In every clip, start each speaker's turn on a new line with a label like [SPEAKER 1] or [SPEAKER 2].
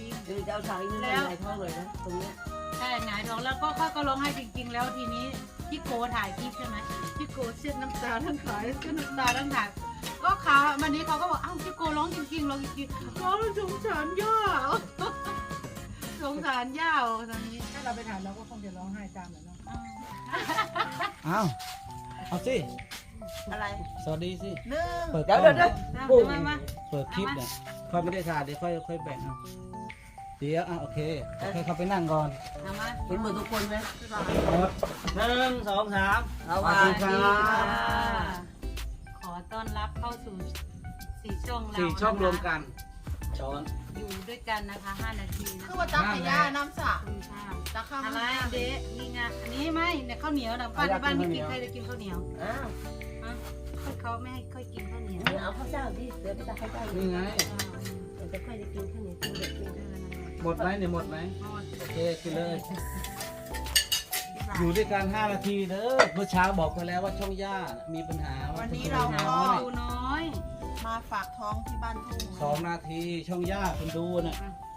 [SPEAKER 1] ริง
[SPEAKER 2] เดี๋ยวจะเอาสายนี่แล้วไหลท้องเลยนะตรงนี้
[SPEAKER 1] ๆใช่หงายท้องแล้วก็ค่อยก็ร้องไห้จริง ๆ แล้วทีนี้พี่โกถ่ายคลิปใช่ไหมพี่โกเช็ดน้ำตาทั้งขายเช็ดน้ำตาทั้งถ่ายก็ขาวันนี้เขาก็บอกอ้าวพี่โกร้องจริงๆร้องจริงๆร้องสงสารย่าสงสารย่าตอนนี้
[SPEAKER 3] ถ้าเราไปถามเราก็คงจะร้องไห้ตามแหละเนาะ
[SPEAKER 4] อ้าวเอาสิ
[SPEAKER 5] อะไร
[SPEAKER 4] สวัสดีสิ
[SPEAKER 5] หนึ่ง
[SPEAKER 4] เปิด
[SPEAKER 2] เดี๋ยว
[SPEAKER 4] กล้
[SPEAKER 2] เดี๋
[SPEAKER 4] อ
[SPEAKER 2] ยว
[SPEAKER 4] ง
[SPEAKER 2] เดี๋ยว
[SPEAKER 1] มา
[SPEAKER 4] เปิดคลิปเนี่ยค่อยไม่ได้ถ่ายเดี๋ยวค่อยแบ่งเอาเดี๋ยวโอเคเข้าไปนั่งก่อน
[SPEAKER 1] เอามา
[SPEAKER 2] เห็นหมดทุกคนไหม
[SPEAKER 4] หนึ่งสองสาม
[SPEAKER 2] เอา
[SPEAKER 4] สวัส
[SPEAKER 2] ว่า
[SPEAKER 4] ดีครับ
[SPEAKER 1] ขอต้อนรับเข้าสู่สี่ช่องเรา
[SPEAKER 4] สี่ช่องรวมกันช้อน
[SPEAKER 1] อยู่ด้วยกันนะคะ5 นาทีนะ
[SPEAKER 5] คือว่าตักให้ย่าน้ำสระ
[SPEAKER 1] คุณค่ะ
[SPEAKER 5] ตักข้าว
[SPEAKER 1] อะไร
[SPEAKER 5] ให้ย่า
[SPEAKER 1] เด็นี่ไงอันนี้ไม่เนี่ยข้าวเหนียวนะบ้านในบ้านไม่กินใครจะกินข้าวเหนียว
[SPEAKER 2] อ้าว
[SPEAKER 1] ฮะเขาไม่ให้ค่อยกินข้าวเหนียว
[SPEAKER 2] เอาข้าวเจ้าดิเดี๋ยวไปตักข้าวเจ้า
[SPEAKER 4] นี่ไง
[SPEAKER 2] เดี๋ยวจะค่อยได้กินข้าวเหนียวกินเด็กกิน
[SPEAKER 4] หมดไหมเนี่ยหมดไหม
[SPEAKER 1] หมด
[SPEAKER 4] โอเคกินเลย อยู่ด้วยกัน5 นาทีเด้อเมื่อเช้าบอกไปแล้วว่าช่องย่ามีปัญหา
[SPEAKER 5] วันนี้เราก็
[SPEAKER 1] ดูน้อย
[SPEAKER 5] มาฝากท้องที่บ้านทุ่ง
[SPEAKER 4] 2 นาทีช่องย่าคนดูน่ะ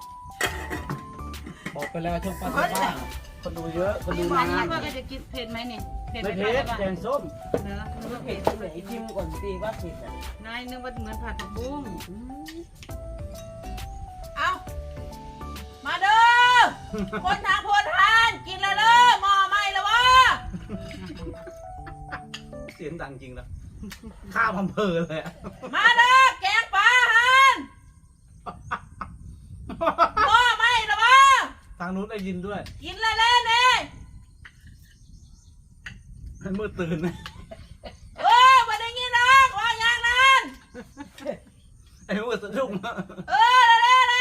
[SPEAKER 4] บอกไปแล้วช่องป้าที่บ้านคนดูเยอะคนดู
[SPEAKER 1] อัน
[SPEAKER 4] นา
[SPEAKER 1] นี้
[SPEAKER 4] น
[SPEAKER 1] ว่าก็จะกินเผ็ดไหมเนี่ยเผ็ด
[SPEAKER 4] ไม่
[SPEAKER 1] ไหม
[SPEAKER 4] เผ็ด
[SPEAKER 1] คะ
[SPEAKER 4] แกงส้ม
[SPEAKER 1] เนื้อ
[SPEAKER 2] มันก็เผ็ดตรงไหนชิมก่อนสิว่าเผ็ดอ่ะ
[SPEAKER 1] นายนึกว่าเหมือนผัดผักบุ้ง
[SPEAKER 5] เอามาเด้อคนทางพลทานกินแล้วเด้อหม้อไหม้แล้ววะ
[SPEAKER 4] เสียงดังจริงแล้วข้าวพัมเพอเลยอะ
[SPEAKER 5] มาเด้อแกงปลาหันหม้อไหม้แล้ววะ
[SPEAKER 4] ทางนู้นได้ยินด้วย
[SPEAKER 5] กินแล้วเด้อเนี่ย
[SPEAKER 4] ให้มืดตื่นนะ
[SPEAKER 5] มาได้ยินนะว่าอย่างนั้น
[SPEAKER 4] ไอ้มืดสะดุ้งนะ
[SPEAKER 5] เด้อนะ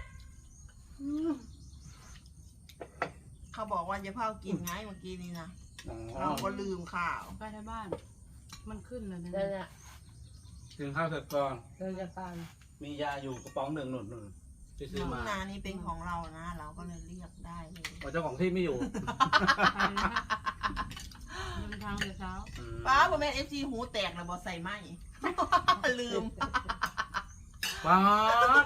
[SPEAKER 5] เขาบอกว่าจะเผากินไงเมื่อกี้นี้นะเราก็ลืมข่าว
[SPEAKER 1] ไปที่บ้าน มันขึ้นเลยนะ
[SPEAKER 2] นั่นแหละ
[SPEAKER 4] กินข้าวเสร็จก่อน
[SPEAKER 2] เราจะฟัง
[SPEAKER 4] มียาอยู่กระป๋องหนึ่งหนุนที่ซื้อ
[SPEAKER 5] ทุ่
[SPEAKER 4] มาง
[SPEAKER 5] นานี้เป็นของเรานะ เราก็เลยเรียกได้เลย
[SPEAKER 4] ว่าเจ้าของที่ไม่อยู่
[SPEAKER 1] ไปนะเดินทางแต่เช้า
[SPEAKER 5] ป้าพ่อแม่เอฟซีหูแตกแล้วบอใส่ไหม ลืม
[SPEAKER 4] ป้าด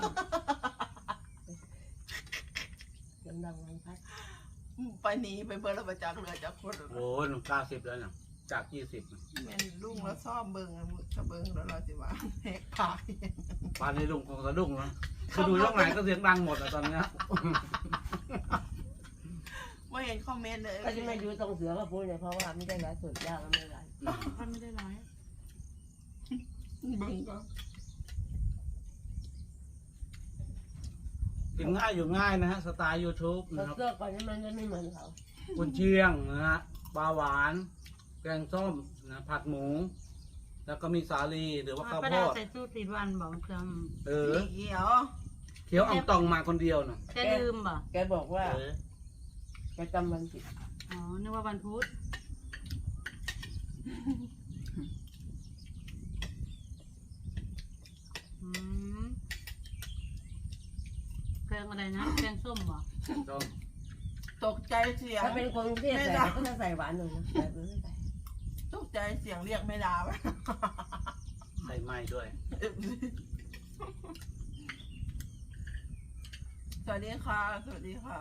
[SPEAKER 2] เสียงดังไว้พัด
[SPEAKER 5] ไปหนีไปเบอร์ระประจักษ์เรือจากคน
[SPEAKER 4] โอ้ย90แล้วเนี่ยจาก20
[SPEAKER 5] แม่นลุงแล้วซ่อมเบิงถ้าเบิงแล้วเราจะว่าแหกปาก
[SPEAKER 4] บ้านนี้ลุงคงสะดุ้งนะคือดูช่องไหนก็เสียงดังหมดอะตอนเนี้ย
[SPEAKER 5] ไม่เห็นคอมเมนต์เลย
[SPEAKER 2] ก็จะไม่อยู่ตรงเสือมาพูดเนี่ยเพราะว่าไม่ได้ร้ายสุดยากก็ไม่ได้
[SPEAKER 1] ท่านไม่ได้ร้าย
[SPEAKER 5] เบิงก็
[SPEAKER 4] กินง่ายอยู่ง่ายนะฮะสไตล์ YouTube
[SPEAKER 2] เรา
[SPEAKER 4] นะครับ
[SPEAKER 2] เลือกก่อนนี่มันจะไม่เหมือนเขา
[SPEAKER 4] กุนเชียงนะฮะปลาหวาน แกงส้มนะผัดหมู แล้วก็มีสาลีหรือว่าข้าว
[SPEAKER 1] ป้า
[SPEAKER 4] โพ
[SPEAKER 1] ดาว
[SPEAKER 4] ด
[SPEAKER 1] ใส่สูตรติดวันบอกจ
[SPEAKER 4] เออ
[SPEAKER 5] สีเขียว
[SPEAKER 4] เขียวอ่องตองมาคนเดียวน่ะ
[SPEAKER 1] ำจะลืมบ่
[SPEAKER 2] แกบอกว่า
[SPEAKER 4] เออ
[SPEAKER 2] แกจำวันผิด
[SPEAKER 1] อ๋อ นึกว่าวันพุธอืมแกงอะไรนะ แกงส้มบ่
[SPEAKER 4] ส้ม
[SPEAKER 5] ตกใจเสียง
[SPEAKER 2] ถ้าเป็นคนกรุงเทพใส่ก็จะใส่หวานหน่อยนะแต่ไม่ใส่
[SPEAKER 5] ตกใจเสียงเรียกไม่ดาว
[SPEAKER 4] ใส่ไม้ด้วย
[SPEAKER 5] สวัสดีค่ะสวัสดีค่ะ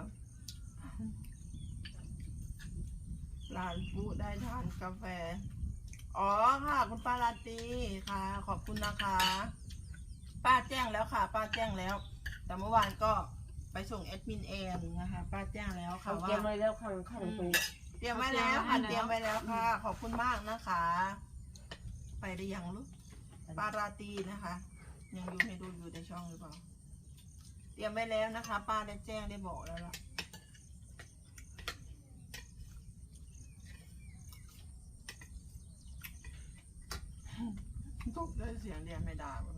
[SPEAKER 5] หลานปูได้ทานกาแฟ อ๋อค่ะคุณป้าลาตรีค่ะ ขอบคุณนะคะ ป้าแจ้งแล้วค่ะ ป้าแจ้งแล้ว แต่เมื่อวานก็ไปส่งแอดมินเองนะคะป้าแจ้งแล้วค่ะ
[SPEAKER 2] เขา
[SPEAKER 5] ว่า
[SPEAKER 2] เตรียมไว้แล้วข้างตรง
[SPEAKER 5] เตรียมไว้แล้วค่ะเตรียมไว้แล้วค่ะ ขอบคุณมากนะคะ ไปได้ยังลูกป้าราตรีนะคะ ยังอยู่ให้ดูอยู่ในช่องหรือเปล่าเตรียมไว้แล้วนะคะ ป้าได้แจ้งได้บอกแล้วล่ะตกได้เสียงเรียนไม่ได้หมดเลย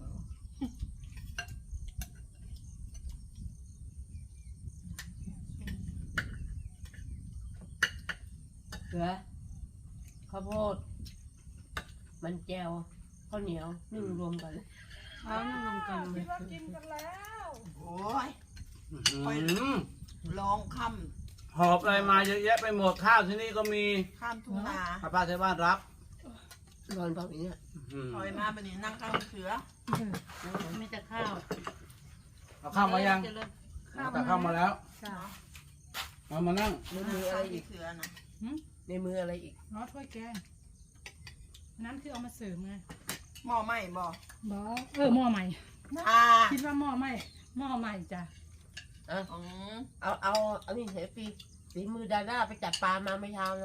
[SPEAKER 2] เสือข้าวโพดมันแจวข้าวเหนียวนึ่งรวมกัน
[SPEAKER 1] แล้วนั่งรวมกัน
[SPEAKER 5] โอ้ย
[SPEAKER 4] อื้อหือ
[SPEAKER 5] ร้องค่
[SPEAKER 4] หอบอะไรมาเยอะแยะไปหมดข้าวที่นี่ก็มี
[SPEAKER 5] ำข้ามทุ่งนา
[SPEAKER 4] ป้าที่บ้านรับ
[SPEAKER 2] นอนเบาอย่างเงี้ย
[SPEAKER 4] อื้อ
[SPEAKER 5] ถ
[SPEAKER 4] หื
[SPEAKER 5] อย
[SPEAKER 4] อ
[SPEAKER 5] มาไปนี่นั่งข้างเสือ
[SPEAKER 1] มีแต่ข้าว
[SPEAKER 4] เอาข้าวมายัง
[SPEAKER 1] เจริญ
[SPEAKER 4] แต่เข้ามาแล้ว
[SPEAKER 3] จ้า
[SPEAKER 4] มานั่ง
[SPEAKER 2] ในมืออะไรอีก
[SPEAKER 5] เสือนะ
[SPEAKER 2] ในมืออะไรอีก
[SPEAKER 3] น้อถ้วยแกงนั้นคือเอามาเสริมไง
[SPEAKER 5] หม้อไหม้บ่
[SPEAKER 3] บอหม้อใหม่
[SPEAKER 5] อ่า
[SPEAKER 3] คิดว่าหม้อใหม่หม้อใหม่จ้ะ
[SPEAKER 2] อ่ะ
[SPEAKER 5] อืม
[SPEAKER 2] เอานี่เห็นฝีมือดาด้าไปจับปลามาไม่เช้านะ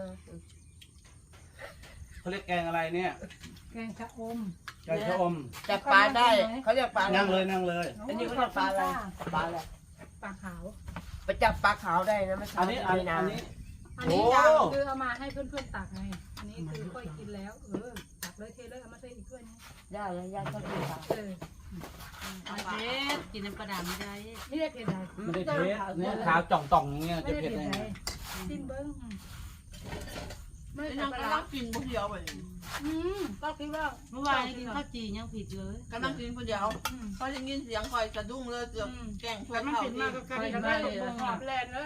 [SPEAKER 4] เขาเรียกแกงอะไรเนี่ย
[SPEAKER 3] แกงชะอม
[SPEAKER 4] แกงชะอม
[SPEAKER 2] จับปลาได้เขาเรียกปลา
[SPEAKER 4] นั่งเลยนั่งเลย
[SPEAKER 2] อันนี้เขาเรียกปลาอะไรปลาอะไร
[SPEAKER 3] ปลาขาว
[SPEAKER 2] ไปจับปลาขาวได้นะไม่
[SPEAKER 4] อั
[SPEAKER 2] ใช่
[SPEAKER 4] นนี้
[SPEAKER 2] ไม่นา
[SPEAKER 4] อั
[SPEAKER 2] น
[SPEAKER 4] นนี้
[SPEAKER 3] อันนี้
[SPEAKER 4] โอ้
[SPEAKER 3] จ้ะคือเอามาให้เพื่อนๆตักไงอันนี้คือค่อยกินแล้วตักเลยเทเลยเอามาเทอีกถ้วยนึง
[SPEAKER 2] ย่าแล้วย่าก็กินปลา
[SPEAKER 1] เอาเทสกินน้ำปลาดาไม่ได้
[SPEAKER 3] นี่ได้เผ็ดไหน
[SPEAKER 4] ไม่ได้เทสเนี่ยขาวจ่องต่องอย่างเงี้ย
[SPEAKER 3] ไม่
[SPEAKER 4] จะ
[SPEAKER 3] ได้
[SPEAKER 4] เผ็ด
[SPEAKER 3] เผ็ด
[SPEAKER 4] ได้
[SPEAKER 3] ไหน
[SPEAKER 4] ไง
[SPEAKER 3] ซิมเบิ้งไม่
[SPEAKER 5] ไอ้
[SPEAKER 3] ใส่
[SPEAKER 5] นั่ง
[SPEAKER 3] ปลาก
[SPEAKER 5] ำ
[SPEAKER 3] ร้า
[SPEAKER 5] ลังกินคนเดียวไป
[SPEAKER 3] ก็คิดว่า
[SPEAKER 1] เมื่อวานนี้กินข้าวจียังผิดเลย
[SPEAKER 5] กำลังกินคนเดียวพอได้ยินเสียงคอยสะดุ้งเลยเกือบแกล้งชวน
[SPEAKER 3] มัน
[SPEAKER 5] เขา
[SPEAKER 3] ผิด
[SPEAKER 5] ที่
[SPEAKER 3] มากก็กลายเป็นได้หอมแลนเลย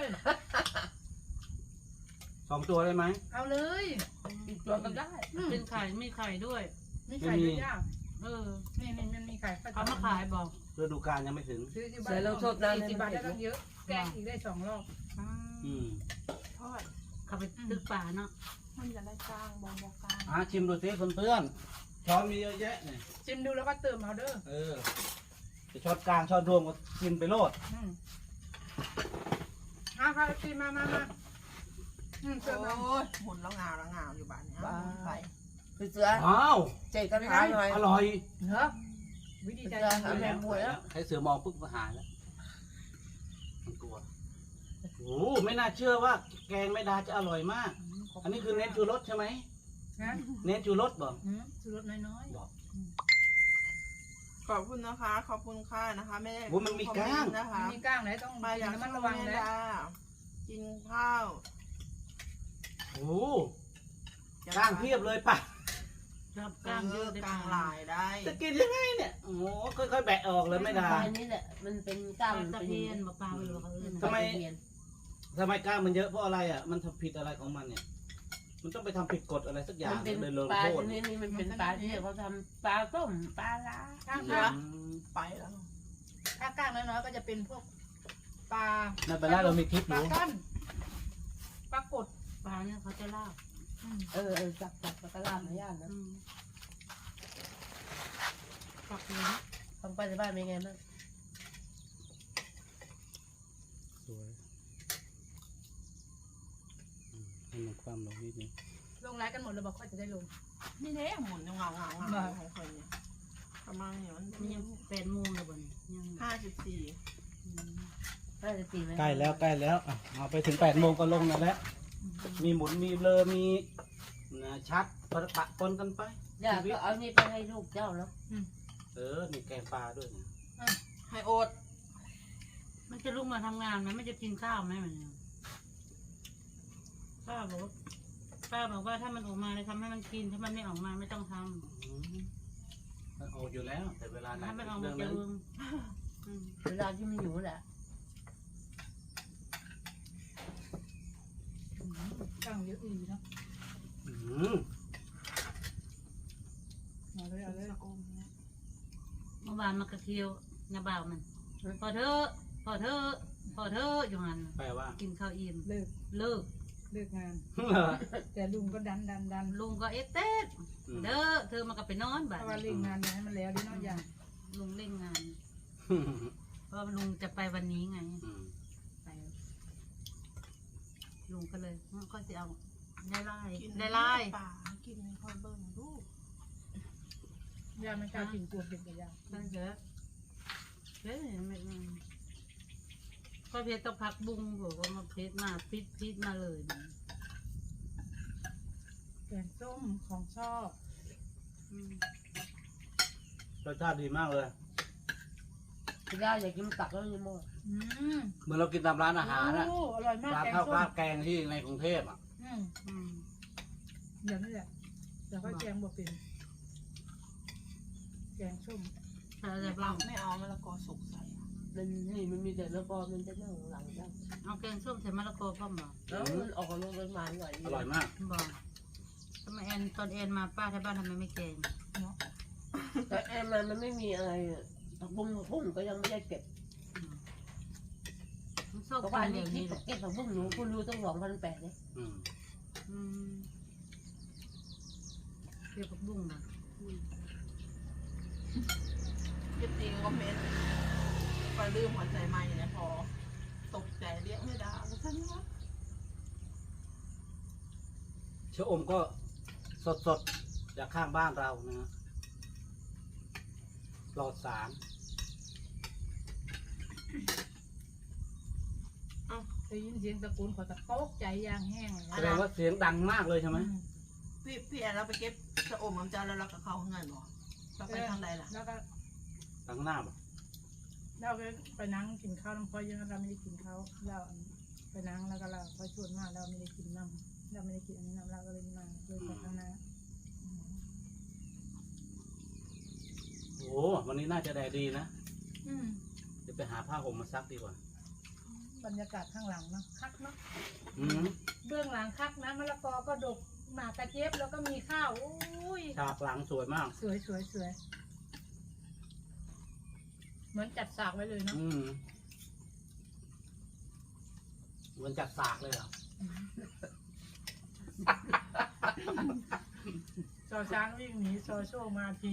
[SPEAKER 4] 2 ตัวได้ไหม
[SPEAKER 3] เอาเลย
[SPEAKER 2] อีกตัวก็ได้
[SPEAKER 1] เป็นไข่มีไข่ด้วย
[SPEAKER 3] มีไข่ด้วยย่า
[SPEAKER 1] เออ
[SPEAKER 3] นี่มันมีไข่
[SPEAKER 1] เขามาขายบอก
[SPEAKER 4] ฤดูกาลยังไม่ถึง
[SPEAKER 3] ซื้อที่บ้าน40 บาทได้ตั้งเยอะแกงอีกได้2 รอบ
[SPEAKER 4] อืม
[SPEAKER 5] ทอด
[SPEAKER 1] เขาไปตึกป่าเนาะ
[SPEAKER 5] มันจะได้กลางบอกกลาง
[SPEAKER 4] ชิมดูสิเพื่อนๆช้อนมีเยอะแยะเนี่ย
[SPEAKER 3] ชิมดูแล้วก็เติมเอาเด้อ
[SPEAKER 4] จะช้อนกลางช้อนรวมก็กินไปโลด
[SPEAKER 3] ค่ะชิมมาเติมเอา
[SPEAKER 5] โอ้ยหมุนแล้วงาวอยู่บ้านนี้ไป
[SPEAKER 2] คือเสือ
[SPEAKER 4] อ้าว
[SPEAKER 2] เจ๊ก็ถามหน่อย
[SPEAKER 4] อร่อย
[SPEAKER 3] เหรอวิธีใจ
[SPEAKER 2] เอาแม่บัวแล้ว
[SPEAKER 4] ให้เสือมองปุ๊บก็หายแล้วมันกลัวโอ้ไม่น่าเชื่อว่าแกงแม่ดาจะอร่อยมาก อันนี้คือเน้นชูรสใช่ไหม
[SPEAKER 3] นะ
[SPEAKER 4] เน้นชูรสบ่
[SPEAKER 3] ชูรสน้อย
[SPEAKER 4] บอก
[SPEAKER 5] ขอบคุณนะคะ ขอบคุณค่ะนะคะไม่ได้
[SPEAKER 4] โอ้มันมีก้าง
[SPEAKER 5] นะคะ
[SPEAKER 3] ๆมีก้างไหนต้อง
[SPEAKER 5] มาอยาก
[SPEAKER 3] ระมัด
[SPEAKER 5] ระ
[SPEAKER 3] ระ
[SPEAKER 5] วั
[SPEAKER 3] วั
[SPEAKER 5] ง
[SPEAKER 3] ง
[SPEAKER 5] นะ
[SPEAKER 3] นะ
[SPEAKER 5] กินข้าว
[SPEAKER 4] โอ้กล้างเพียบเลยป่ะ
[SPEAKER 1] ชอบ
[SPEAKER 5] ก
[SPEAKER 1] กล้า
[SPEAKER 5] ลาง ง
[SPEAKER 1] เย
[SPEAKER 5] เย
[SPEAKER 1] อะ
[SPEAKER 5] อะ
[SPEAKER 1] ได้
[SPEAKER 5] กลางลายได้
[SPEAKER 4] จะกินยังไงเนี่ย โอ้โหค่อยๆแบะออกเลยไม่ดา
[SPEAKER 2] ปลานี่แหละมันเป็นกล้าม
[SPEAKER 1] ตะเพียนบอกปลาไปบอกเขาเอื่น
[SPEAKER 4] ทำไม ทำไมกล้างมันเยอะเพราะอะไรอ่ะ มันทำผิดอะไรของมันเนี่ย มันต้องไปทำผิดกฎอะไรสักอย่า
[SPEAKER 2] มั
[SPEAKER 4] ง
[SPEAKER 2] นเป็น
[SPEAKER 4] เลยลง
[SPEAKER 2] ปลา
[SPEAKER 4] โทษ
[SPEAKER 2] ชนิดนี้มันเป็นปลาที่เขาทำปลาต้มปลาล้า
[SPEAKER 3] ก้าง
[SPEAKER 4] อืม
[SPEAKER 5] ไปแล้ว
[SPEAKER 3] ถ้าก้างน้อยๆก็จะเป็นพวกปลา
[SPEAKER 4] นั่นไปแล้วเรามีคลิปอ
[SPEAKER 3] ปลา
[SPEAKER 4] ยู่
[SPEAKER 3] ก้อนปลากด
[SPEAKER 1] ปลาเนี่ยเขาจะลาบ
[SPEAKER 2] จับปลาล้ามาย่างนะ
[SPEAKER 1] ปักเลย
[SPEAKER 2] ทำไปในบ้านเป็นไงบ้าง
[SPEAKER 4] สวยให้มันความลงนิดนึง
[SPEAKER 3] ลงไลน์กันหมดเลยบอกว่าจะได้ลง
[SPEAKER 5] นี่เนี่ยหมุนเงาของคนเนี่ยประมาณนี้มัน
[SPEAKER 1] มันยัง8 โมงเลยบ่เนี่ยยัง
[SPEAKER 5] 54
[SPEAKER 2] น่าจะตีไหม
[SPEAKER 4] ใกล้แล้วอ่ะเอาไปถึง8 โมงก็ลงนั่นแหละ มีหมุนมีเบลอมีชัดปะปนกันไป
[SPEAKER 2] ย่าก็เอานี่ไปให้ลูกเจ้าเนาะ
[SPEAKER 4] มีแกงปลาด้วยนะ
[SPEAKER 5] ให้โอด
[SPEAKER 1] มันจะลุกมาทำงานไหมมันจะกินข้าวไหมมันเนี่ยป้าบอกว่าถ้ามันออกมาเลยทำให้มันกินถ้ามันไม่ออกมาไม่ต้องท
[SPEAKER 4] มันออกอยู่แล้ว แต่เวลา
[SPEAKER 1] ำ
[SPEAKER 4] ไหน
[SPEAKER 1] ถ้ามันออก
[SPEAKER 4] เรื่
[SPEAKER 1] มา
[SPEAKER 4] อง
[SPEAKER 1] จะ
[SPEAKER 4] นั้น
[SPEAKER 1] เอือง
[SPEAKER 2] เวลาที่มันอยู่แหละ
[SPEAKER 3] ก้างเยอะอีเนาะ
[SPEAKER 4] อืม
[SPEAKER 3] เอาเลย
[SPEAKER 1] เมื่อวานมากระเทียวนาบ่าวมันพอเธออยู่หัน
[SPEAKER 4] แปลว่า
[SPEAKER 1] กินข้าวอิ่ม
[SPEAKER 3] เลิก
[SPEAKER 1] เลิก
[SPEAKER 3] งาน แต่ลุงก็ดัน
[SPEAKER 1] ลุงก็เอ๊ะเต๊ดเด้อเธอมาก็ไปนอน
[SPEAKER 3] เพ
[SPEAKER 1] บ้าน
[SPEAKER 3] ราะว่าเร่งงานให้มันแล้วดิเนาะอย่าง
[SPEAKER 1] ลุงเร่งงาน เพราะลุงจะไปวันนี้ไงไปลุงก็เลยก็จะเอาได้ไล่
[SPEAKER 5] ป่ากินคอยเบิ่งลูก
[SPEAKER 3] ยาไม่กล้ากินกลัวเป็นกระยา
[SPEAKER 1] ก็เยอะเฮ้ยไม่ก็เพชรต้องพักบุ้งบอกว่ามาเพชรมาพิษมาเลย
[SPEAKER 3] แกงส้มของชอบ
[SPEAKER 4] รสชาติดีมากเลย
[SPEAKER 2] ย่าอยากกินตักแล้วยังโม่
[SPEAKER 4] เหมือนเรากินตามร้านอาหารนะ
[SPEAKER 3] โอ้อร่อยมาก
[SPEAKER 4] ร้าน
[SPEAKER 3] แกง
[SPEAKER 4] ข้าว
[SPEAKER 3] ส้
[SPEAKER 4] ราม บแกงที่ในกรุงเทพอ่ะ
[SPEAKER 3] อย่างนี้แหละแต่ก็แกงบ่เป็นแกงส้ม
[SPEAKER 1] ถ้าจะบ้าง
[SPEAKER 5] ไม่เอามะละกอสุกใส่
[SPEAKER 2] มันนี่มันมีแต่แล้วก็มันจะนั่งหลังย่า
[SPEAKER 1] เอาแกงส้มใส่มะละกอพ่อมบอก
[SPEAKER 2] แล้วมันออกมาเป็นมันหน่อย
[SPEAKER 4] อร่อยมาก
[SPEAKER 1] บอกทำไมตอนมาป้าที่บ้านทำไมไม่แกง
[SPEAKER 2] แต่แอนมันไม่มีอะไรผักบุ้งก็ยังไม่ได้เก็บ
[SPEAKER 1] อบ
[SPEAKER 2] เพราะ
[SPEAKER 1] กิ
[SPEAKER 2] ว่าน อัน
[SPEAKER 1] แบ
[SPEAKER 2] นี้
[SPEAKER 1] บ
[SPEAKER 2] คิด
[SPEAKER 1] นี้แหละ
[SPEAKER 2] เก็บผักบุ้งหนูคุณรู้ต้อง2,800เลย
[SPEAKER 4] อืม
[SPEAKER 1] อืมเกี่ยวกับบุ้งนะ
[SPEAKER 5] จริงๆคอมเมนต์ไปลืมหัวใจใหม่เนี่ยพอตกใจเรียกไม่ได้แล้วฉันว่า
[SPEAKER 4] ชะอมก็สดๆจากข้างบ้านเรานะฮะปลอดสาร
[SPEAKER 3] ได้ยินเสียงตะโกนขอตะโกกใจยางแห้งเลย
[SPEAKER 4] แสดงว่าเสียงดังมากเลยใช่ไหม
[SPEAKER 5] พี่แอนเราไปเก็บชะอมน้ำจานแล้วเราก็เข้าข้างในหรอเราไปทางใดล่ะ
[SPEAKER 3] แล้วก็
[SPEAKER 4] ดังหน้าบ่
[SPEAKER 3] เราไปนั่งกินข้าวน้ำพอยังเราไม่ได้กินข้าวเราไปนั่งแล้วก็เราพอชวนมาเราไม่ได้กินน้ำเราไม่ได้กินอันนี้น้ำเราก็เลยมาเลยไปข้างหน้า
[SPEAKER 4] โอ้วันนี้น่าจะแดดดีนะ
[SPEAKER 3] อืม
[SPEAKER 4] เดี๋ยวไปหาผ้าห่มมาซักดีกว่า
[SPEAKER 3] บรรยากาศข้างหลังเนาะคักเนาะ
[SPEAKER 4] อืม
[SPEAKER 3] เบื้องหลังคักนะมะละกอก็ดกหมากกระเจี๊ยบแล้วก็มีข้าวโอ้ย
[SPEAKER 4] ฉากหลังสวยมาก
[SPEAKER 3] สวยสวยสวยเหมือนจัดฉากไว้เลยเนาะ
[SPEAKER 4] อืมเหมือนจัดสากเลยเหรอ
[SPEAKER 3] ซอช้างวิ่งหนีซอโชคมาที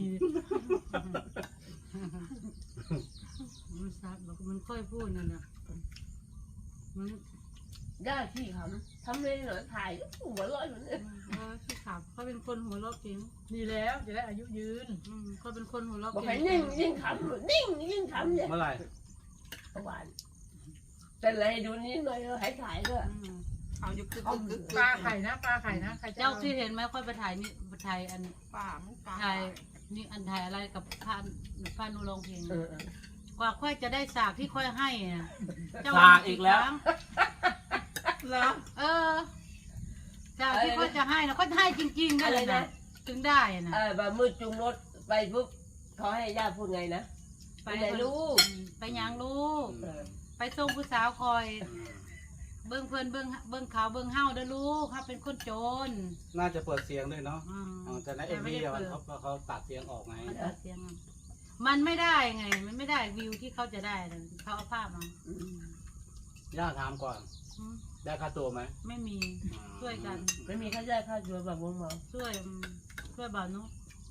[SPEAKER 1] มันซักบอกมันค่อยพูดนั่นนะมัน
[SPEAKER 2] ได้ที่ทำเลยเหรอถ่ายหัวเร้อยเหมือนกัน
[SPEAKER 1] ที่ขับเขาเป็นคนหัวเราะเก่ง
[SPEAKER 3] ดีแล้วจะได้อายุยืน
[SPEAKER 1] เขาเป็นคนหัวเราะ
[SPEAKER 2] บอก
[SPEAKER 1] เก่
[SPEAKER 2] ให้
[SPEAKER 1] ง
[SPEAKER 2] นิ่งยิ่งขำนิ่งยิ่งขำเนี่ย
[SPEAKER 4] เมื่อไหร่
[SPEAKER 2] เมื่อวานเป็นไรดูนิดหน่อยให้ถ่ายด้วย
[SPEAKER 5] เอาอยู่กึกกึก
[SPEAKER 3] ปลาไข่นะปลาไข่นะใครจะ
[SPEAKER 1] เจ้าที่เห็นไหมค่อยไปถ่ายนี่ถ่ายอัน
[SPEAKER 5] ป่ามันป่า
[SPEAKER 1] ถ่ายนี่อันถ่ายอะไรกับพานุร้องเพลง
[SPEAKER 2] เออก
[SPEAKER 1] ว่าค่อยจะได้สากที่ค่อยให้นะเจ้
[SPEAKER 4] สากอีกแล้ว
[SPEAKER 5] แล้ว
[SPEAKER 1] เออสากที่ค่อยจะให้นะก็ให้จริงๆได้เลยนะถึงได้นะ
[SPEAKER 2] แบบมืดจุงรถไปปุ๊บเขาให้ย่าพูดไงนะไปไหนลูก
[SPEAKER 1] ไปยังลูก
[SPEAKER 2] เออ
[SPEAKER 1] ไปส่งผู้สาวคอย เบิ้งเพื่อนเบิ้งเขาเบิ้งเฮาเด้อลูกเขาเป็นคนโจร
[SPEAKER 4] น่าจะเปิดเสียงด้วยเนาะ
[SPEAKER 1] อืม
[SPEAKER 4] แต่ในเอ็มวีเขาตัดเสียงออกไง
[SPEAKER 1] มันตัดเสียงอะมันไม่ได้ไง มันไม่ได้วิวที่เขาจะได้เลยเขาเอาภาพมา
[SPEAKER 2] อืม
[SPEAKER 4] ย่าถามก่อน
[SPEAKER 1] อืม
[SPEAKER 4] ได้ค่าตัวไหม
[SPEAKER 1] ไม่มีช่วยกัน
[SPEAKER 2] ไม่มีค่าใช้ค่าชัวแบบวงเมา
[SPEAKER 1] ช่วยบ่าวนุ๊ก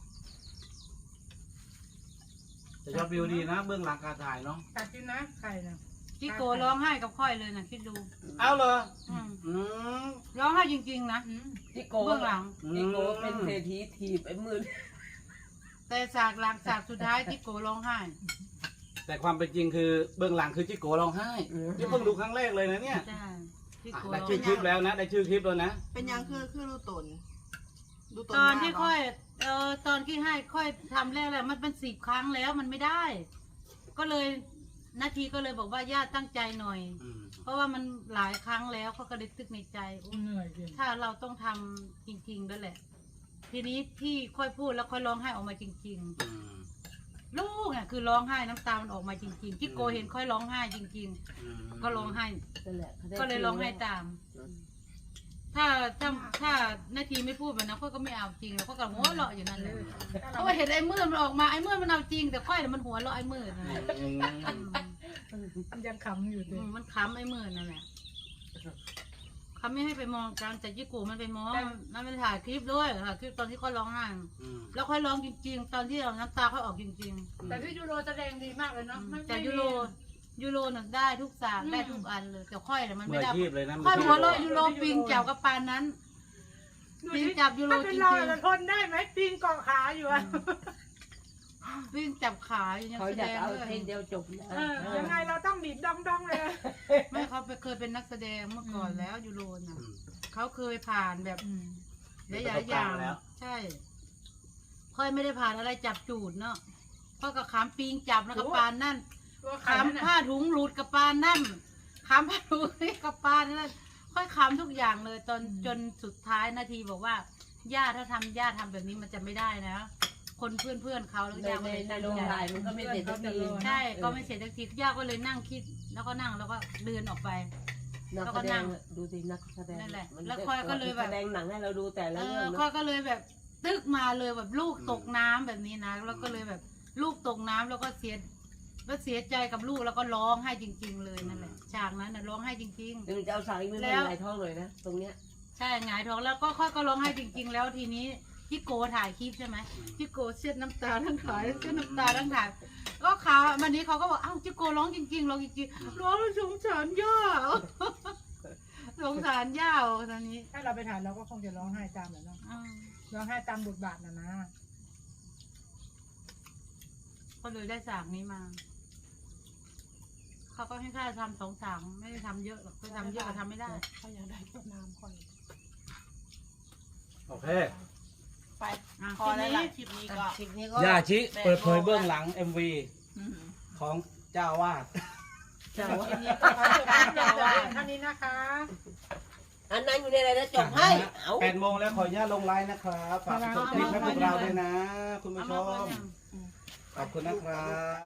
[SPEAKER 4] แต่ยอดวิวดีนะ เบื้องหลังการถ่ายเนาะ
[SPEAKER 3] กัดกินนะไข่นะ
[SPEAKER 1] พี่โกร้องไห้กับค่อยเลยนะคิดดู
[SPEAKER 4] เอาเลย
[SPEAKER 1] อืม
[SPEAKER 4] อืม
[SPEAKER 1] ร้องไห้จริงๆนะ
[SPEAKER 2] จิโก
[SPEAKER 1] เบื้องหลัง
[SPEAKER 2] จิโกเป็นเศรษฐีถีบไอ้มือ
[SPEAKER 1] แต่ฉากหลังฉากสุดท้ายที่โกร้องไห้
[SPEAKER 4] แต่ความเป็นจริงคือเบื้องหลังคือจิโกร้องไห้ที่เพิ่งดูครั้งแรกเลยนะเนี่ย
[SPEAKER 1] ใช่ที่
[SPEAKER 4] อ่ะ
[SPEAKER 1] โก
[SPEAKER 4] ได้
[SPEAKER 1] ร้อง
[SPEAKER 4] ชื่อค
[SPEAKER 1] ไห้
[SPEAKER 4] ลิปแล้วนะ ได้ชื่อคลิปแล้วนะ
[SPEAKER 5] เป็นยังคือรูตนดูตน
[SPEAKER 1] ตอนที่ค่อยตอนที่ให้ค่อยทำแรกแล้วมันเป็น10 ครั้งแล้วมันไม่ได้ ก็เลยนาทีก็เลยบอกว่าญาติตั้งใจหน่อย
[SPEAKER 4] อืม
[SPEAKER 1] เพราะว่ามันหลายครั้งแล้วเขาก็เลยตึกในใจอุ๊ย
[SPEAKER 3] เหนื่อยจริง
[SPEAKER 1] ถ้าเราต้องทำจริงๆด้วยแหละ ทีนี้ที่ค่อยพูดแล้วค่อยร้องไห้ออกมาจริง
[SPEAKER 4] อืม
[SPEAKER 1] ๆ ลูกเนี่ยคือร้องไห้น้ำตามันออกมาจริงๆที่โกเห็นค่อยร้องไห้จริง
[SPEAKER 4] อืม
[SPEAKER 1] ๆ ก็ร้องไห้
[SPEAKER 2] นั่นแหละ
[SPEAKER 1] ก็เลยร้องไห้ตาม ถ้านาทีไม่พูดแบบนั้นค่อยก็ไม่เอาจริงแล้วก็กระหัวเราะอยู่นั่นเลยเพราะว่าเห็นไอ้มืดมันออกมาไอ้มืดมันเอาจริงแต่ค่อยน่ะมันหัวเราะไอ้มืดนั่นแหละ
[SPEAKER 4] อืม
[SPEAKER 3] มันยังขำอยู่เลย
[SPEAKER 1] มันขำไอ้มืดนั่นแหละเขาไม่ให้ไปมองกันแต่ยี่กูมันไปมองมันไปถ่ายคลิปด้วยถ่ายคลิปตอนที่ค่อยร้องไห้
[SPEAKER 4] อืม
[SPEAKER 1] แล้วค่อยร้องจริงๆ ตอนที่เราน้ำตาค่อยออกจริง
[SPEAKER 3] แต่พี่ยูโรแสดงดีมากเลยเนาะ
[SPEAKER 1] ๆแต่ยูโรน่ะได้ทุกสากได้ทุกอันเลยแต่ค่อยน่ะมัน
[SPEAKER 4] มื
[SPEAKER 1] ไม่
[SPEAKER 4] อ
[SPEAKER 1] ได้
[SPEAKER 4] อาชีพเลยนะ
[SPEAKER 1] ค่อย
[SPEAKER 4] มื
[SPEAKER 1] หัว
[SPEAKER 4] อ
[SPEAKER 1] เราะ
[SPEAKER 4] อาชีพ
[SPEAKER 1] ยูโรปิงจับกับปานนั้นปิงจับยูโร
[SPEAKER 3] ถ้า
[SPEAKER 1] จ
[SPEAKER 3] เป็น
[SPEAKER 1] ริ
[SPEAKER 3] เรา
[SPEAKER 1] ง
[SPEAKER 3] จะทนได้ไหมปีนเกาะขาอยู่อะ
[SPEAKER 1] ๆปิงจับขาอยู่ยัง
[SPEAKER 2] เขา
[SPEAKER 1] แส
[SPEAKER 2] อยา
[SPEAKER 1] ด
[SPEAKER 2] ก
[SPEAKER 1] ง
[SPEAKER 2] เอา
[SPEAKER 1] เลย
[SPEAKER 2] เพลงเดียวจบนะ
[SPEAKER 3] ยังไงเราต้องดีดดองดองเลย
[SPEAKER 1] ไม่เขาเคยเป็นนักแสดงเมื่อก่อนแล้วยูโรน่ะ
[SPEAKER 4] อืม
[SPEAKER 1] เขาเคยผ่านแบบ
[SPEAKER 4] มี
[SPEAKER 1] ห
[SPEAKER 4] ประ
[SPEAKER 1] ลา
[SPEAKER 4] ส
[SPEAKER 1] ย
[SPEAKER 4] บ
[SPEAKER 1] ๆอ
[SPEAKER 4] การ
[SPEAKER 1] ย่าง
[SPEAKER 4] ณ์แล้ว
[SPEAKER 1] ใช่ ค่อยไม่ได้ผ่านอะไรจับจูดเนาะค่อยก็ขามปิงจับแล้วกับปานนั่น
[SPEAKER 3] ตัวขา
[SPEAKER 1] ขามผ้าถุงหลุดกับปานนั่นขามผ้าถุงกับปานนั่นค่อยขามทุกอย่างเลยจนสุดท้ายนาทีบอกว่าย่าถ้าย่าทำแบบนี้มันจะไม่ได้นะ คนเพื่อนเขาแล้ว
[SPEAKER 2] ใน
[SPEAKER 1] ย่าก็
[SPEAKER 2] ใน
[SPEAKER 1] เลย
[SPEAKER 2] ใน
[SPEAKER 1] ตั้ง
[SPEAKER 2] โรง
[SPEAKER 1] ใจ
[SPEAKER 2] ถ่ายมันก็ไม่เสร็จสักที
[SPEAKER 1] ใช่ก็ไม่เสร็จสักทีย่าก็เลยนั่งคิดแล้วก็นั่งแล้วก็เดินออกไป
[SPEAKER 2] นักแสดงดูสินักแสดง
[SPEAKER 1] นั่นแหละ
[SPEAKER 2] มัน
[SPEAKER 1] แล้วคอยก็เลยแบบ
[SPEAKER 2] แสดงหนังให้เราดูแต่ละเรื่อง
[SPEAKER 1] ค่อ
[SPEAKER 2] เนาะ
[SPEAKER 1] ยก็เลยแบบตึกมาเลยแบบลูกตกน้ำแบบนี้นะแล้วก็เลยแบบลูกตกน้ำแล้วก็เสียใจกับลูกแล้วก็ร้องไห้จริง ๆ เลยนั่นแหละฉากนั้นน่ะร้องไห้จริง
[SPEAKER 2] เดี๋ยวจะเอาสายมือ
[SPEAKER 1] แล้
[SPEAKER 2] มาว ไหลท้องเลยนะตรงเนี้ย
[SPEAKER 1] ๆ ใช่หงายท้องแล้วก็ค่อยก็ร้องไห้จริง ๆ แล้วทีนี้พี่โกถ่ายคลิปใช่ไหมพี่โกเช็ดน้ำตาทั้งถ่ายเช็ดน้ำตาทั้งถ่ายก็เขาวันนี้เขาก็บอกอ้าวพี่โกร้องจริงๆร้องจริงๆร้องแล้วสงสารย่า สงสารย่าตอนนี้
[SPEAKER 3] ถ้าเราไปถ่ายเราก็คงจะร้องไห้ตามแหละเนาะ
[SPEAKER 1] อืม
[SPEAKER 3] ร้องไห้ตามบทบาทนะ
[SPEAKER 1] ก็เลยได้ฉากนี้มาเขาก็ให้ค่าทำ2 ฉากไม่ได้ทำเยอะหรอกไปทำเยอะก็ทำไม่ได้
[SPEAKER 3] เขาอยากได้ต้นน้ำคอย
[SPEAKER 4] โอเค
[SPEAKER 5] ไป
[SPEAKER 1] อ่ะ
[SPEAKER 5] พอแล้วล่ะคลิปนี้ก็
[SPEAKER 2] คลิปนี้ก็
[SPEAKER 4] ย่าชิเปิดเผยเบื้องหลัง MV
[SPEAKER 5] อืม
[SPEAKER 4] ของเจ้าอาวาส
[SPEAKER 2] เจ้าว่า
[SPEAKER 3] ท่านนี้นะคะ
[SPEAKER 2] อันนั้นอยู่ในอะไรนะจบให้เอา
[SPEAKER 4] 8 โมงแล้วขออนุญาตลงไลน์นะครับฝากกดติดตามให้พวกเราด้วยนะ คุณผู้ช
[SPEAKER 1] เอามาก่อน
[SPEAKER 4] ม
[SPEAKER 1] ยัง
[SPEAKER 4] ขอบคุณนะครับ